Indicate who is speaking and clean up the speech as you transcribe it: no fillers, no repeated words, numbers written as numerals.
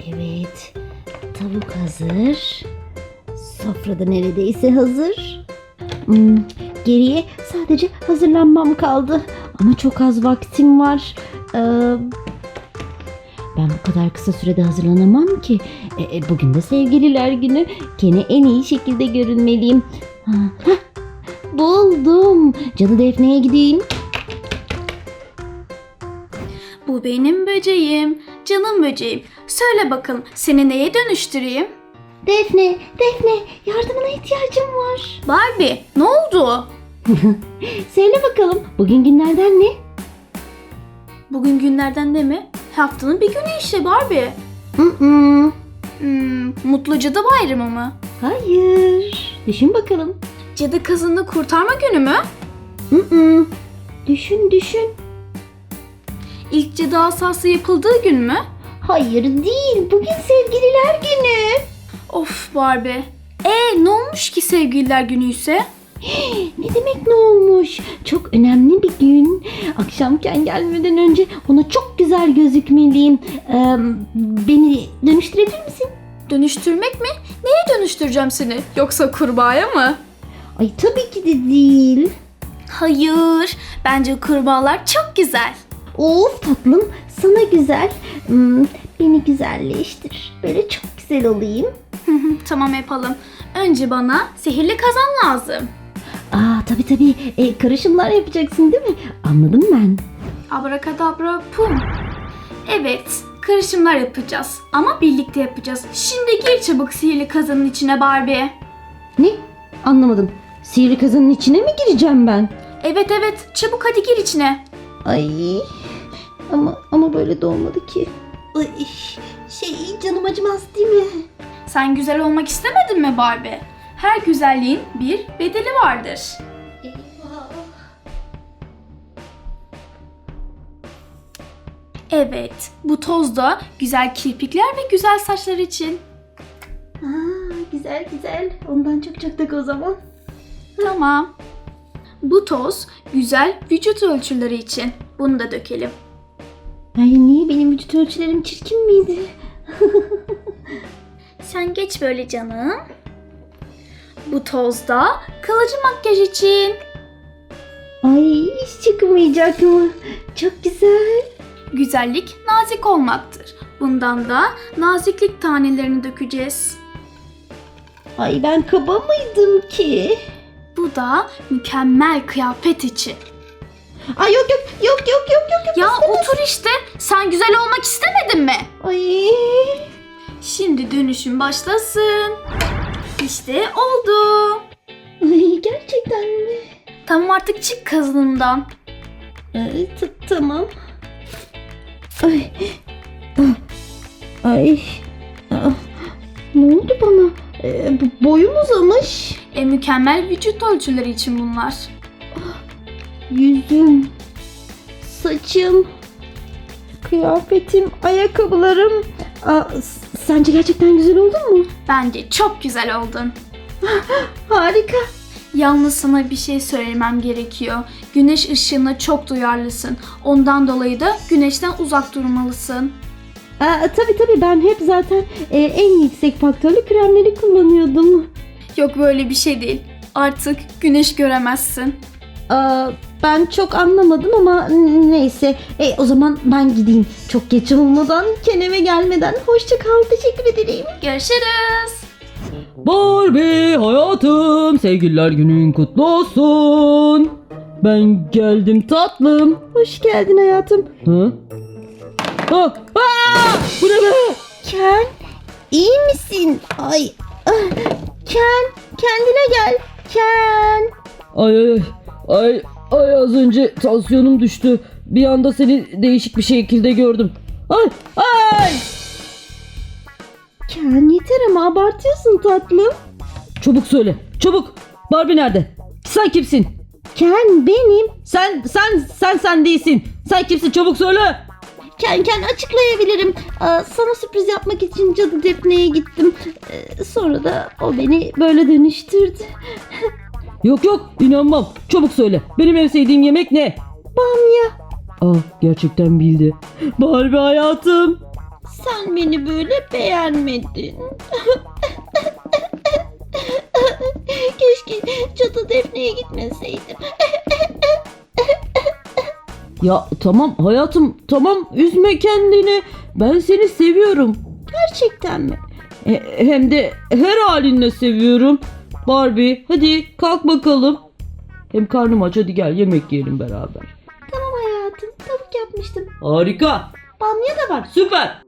Speaker 1: Evet. Tavuk hazır. Sofrada neredeyse hazır. Geriye sadece hazırlanmam kaldı. Ama çok az vaktim var. Ben bu kadar kısa sürede hazırlanamam ki. Bugün de sevgililer günü. Ken'e en iyi şekilde görünmeliyim. Buldum. Cadı Defne'ye gideyim.
Speaker 2: Bu benim böceğim, canım böceğim. Söyle bakalım, seni neye dönüştüreyim?
Speaker 1: Defne, yardımına ihtiyacım var.
Speaker 2: Barbie, ne oldu?
Speaker 1: Söyle bakalım, bugün günlerden ne?
Speaker 2: Bugün günlerden ne mi? Haftanın bir günü işte Barbie. Mutlu Cadı Bayramı mı?
Speaker 1: Hayır. Düşün bakalım.
Speaker 2: Cadı kızını kurtarma günü mü?
Speaker 1: Düşün.
Speaker 2: İlk cadı asası yapıldığı gün mü?
Speaker 1: Hayır değil. Bugün sevgililer günü.
Speaker 2: Of Barbie. Ne olmuş ki sevgililer günü ise?
Speaker 1: Ne demek ne olmuş? Çok önemli bir gün. Akşamken gelmeden önce ona çok güzel gözükmeliyim. Beni dönüştürebilir misin?
Speaker 2: Dönüştürmek mi? Neye dönüştüreceğim seni? Yoksa kurbağaya mı?
Speaker 1: Ay tabii ki de değil.
Speaker 2: Hayır. Bence kurbağalar çok güzel.
Speaker 1: Of tatlım sana güzel. Beni güzelleştir. Böyle çok güzel olayım.
Speaker 2: Tamam yapalım. Önce bana sihirli kazan lazım.
Speaker 1: Tabii. Karışımlar yapacaksın değil mi? Anladım ben.
Speaker 2: Abrakadabra pum. Evet, karışımlar yapacağız. Ama birlikte yapacağız. Şimdi gir çabuk sihirli kazanın içine Barbie.
Speaker 1: Ne? Anlamadım. Sihirli kazanın içine mi gireceğim ben?
Speaker 2: Evet, çabuk hadi gir içine.
Speaker 1: Ay ama böyle de olmadı ki. Ay, canım acımaz değil mi?
Speaker 2: Sen güzel olmak istemedin mi Barbie? Her güzelliğin bir bedeli vardır.
Speaker 1: Eyvah.
Speaker 2: Evet, bu toz da güzel kirpikler ve güzel saçlar için.
Speaker 1: Güzel. Ondan çok tak o zaman.
Speaker 2: Tamam. Bu toz güzel vücut ölçüleri için. Bunu da dökelim.
Speaker 1: Ay niye benim vücut ölçülerim çirkin miydi?
Speaker 2: Sen geç böyle canım. Bu toz da kalıcı makyaj için.
Speaker 1: Ay hiç çıkmayacak mı? Çok güzel.
Speaker 2: Güzellik nazik olmaktır. Bundan da naziklik tanelerini dökeceğiz.
Speaker 1: Ay ben kaba mıydım ki?
Speaker 2: Bu da mükemmel kıyafet için.
Speaker 1: Ay yok.
Speaker 2: Ya otur işte. Sen güzel olmak istemedin mi?
Speaker 1: Ay.
Speaker 2: Şimdi dönüşüm başlasın. İşte oldu.
Speaker 1: Ay gerçekten mi?
Speaker 2: Tamam artık çık kazanımdan.
Speaker 1: Tamam. Ay. Ay. Ne oldu bana? Boyum uzamış.
Speaker 2: Mükemmel vücut ölçüleri için bunlar.
Speaker 1: Yüzüm, saçım, kıyafetim, ayakkabılarım. Sence gerçekten güzel oldun mu?
Speaker 2: Bence çok güzel oldun.
Speaker 1: Harika.
Speaker 2: Yalnız sana bir şey söylemem gerekiyor. Güneş ışığına çok duyarlısın. Ondan dolayı da güneşten uzak durmalısın.
Speaker 1: Tabii ben hep zaten en yüksek faktörlü kremleri kullanıyordum.
Speaker 2: Yok böyle bir şey değil. Artık güneş göremezsin.
Speaker 1: Ben çok anlamadım ama neyse. O zaman ben gideyim. Çok geç olmadan, Ken'e gelmeden. Hoşça kal. Teşekkür ederim.
Speaker 2: Görüşürüz.
Speaker 3: Barbie hayatım, sevgililer günün kutlu olsun. Ben geldim tatlım.
Speaker 1: Hoş geldin hayatım.
Speaker 3: Bu ne be?
Speaker 1: Ken, iyi misin? Ay. Ken, kendine gel. Ken.
Speaker 3: Ay az önce tansiyonum düştü. Bir anda seni değişik bir şekilde gördüm. Ay.
Speaker 1: Ken yeter ama abartıyorsun tatlım.
Speaker 3: Çabuk söyle. Çabuk. Barbie nerede? Sen kimsin?
Speaker 1: Ken benim.
Speaker 3: Sen değilsin. Sen kimsin? Çabuk söyle.
Speaker 1: Ken açıklayabilirim. Sana sürpriz yapmak için Cadı Defne'ye gittim. Sonra da o beni böyle dönüştürdü.
Speaker 3: Yok inanmam. Çabuk söyle. Benim en sevdiğim yemek ne?
Speaker 1: Bamya.
Speaker 3: Gerçekten bildi. Barbie hayatım.
Speaker 1: Sen beni böyle beğenmedin. Keşke Çatı Defne'ye gitmeseydim.
Speaker 3: Ya tamam hayatım, tamam, üzme kendini. Ben seni seviyorum.
Speaker 1: Gerçekten mi?
Speaker 3: Hem de her halinle seviyorum. Barbie, hadi kalk bakalım. Hem karnım aç, hadi gel yemek yiyelim beraber.
Speaker 1: Tamam hayatım. Tavuk yapmıştım.
Speaker 3: Harika.
Speaker 1: Bamya da var.
Speaker 3: Süper.